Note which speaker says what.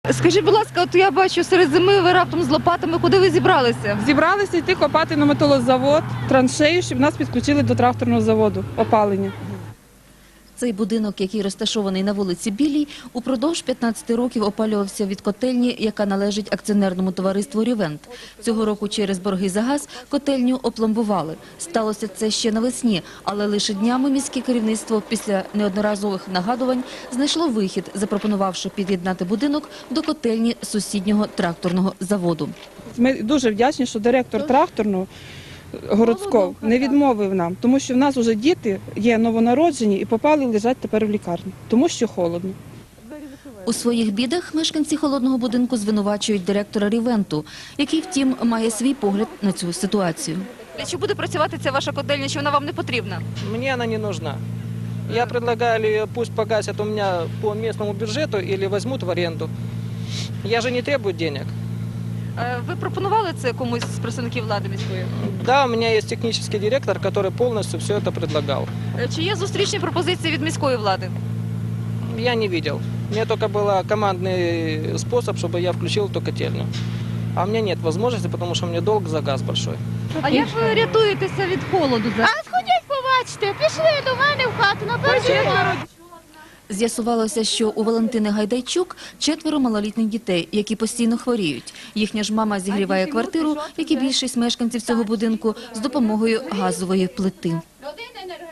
Speaker 1: Скажіть, будь ласка, от я бачу, серед зими ви раптом з лопатами, куди ви зібралися?
Speaker 2: Зібралися йти копати на металозавод, траншею, щоб нас підключили до тракторного заводу, опалення.
Speaker 3: Цей будинок, який розташований на вулиці Білій, упродовж 15 років опалювався від котельні, яка належить акціонерному товариству «Рівент». Цього року через борги за газ котельню опломбували. Сталося це ще навесні, але лише днями міське керівництво після неодноразових нагадувань знайшло вихід, запропонувавши під'єднати будинок до котельні сусіднього тракторного заводу.
Speaker 2: Ми дуже вдячні, що директор тракторного городського не відмовив нам, тому що в нас вже діти є новонароджені і попали лежать тепер в лікарні, тому що холодно.
Speaker 3: У своїх бідах мешканці холодного будинку звинувачують директора «Рівенту», який, втім, має свій погляд на цю ситуацію.
Speaker 1: Чи буде працювати ця ваша котельня, чи вона вам не потрібна?
Speaker 4: Мне она не нужна. Я предлагаю, или пусть погасят у меня по местному бюджету, или возьмут в аренду. Я же не требую денег.
Speaker 1: Ви пропонували це комусь з представників влади міської?
Speaker 4: Да, у меня есть технический директор, который полностью все это предлагал.
Speaker 1: Чи є зустрічні пропозиції від міської влади?
Speaker 4: Я не видел. Мне только был командный способ, чтобы я включил эту котельную. А у меня нет возможности, потому что у меня долг за газ большой.
Speaker 1: А як ви рятуєтеся від холоду зараз?
Speaker 5: Сходіть, побачите, пішли до мене в хату на перший поверх.
Speaker 3: З'ясувалося, що у Валентини Гайдайчук 4 малолітніх дітей, які постійно хворіють. Їхня ж мама зігріває квартиру, як і більшість мешканців цього будинку, з допомогою газової плити.
Speaker 5: Родина не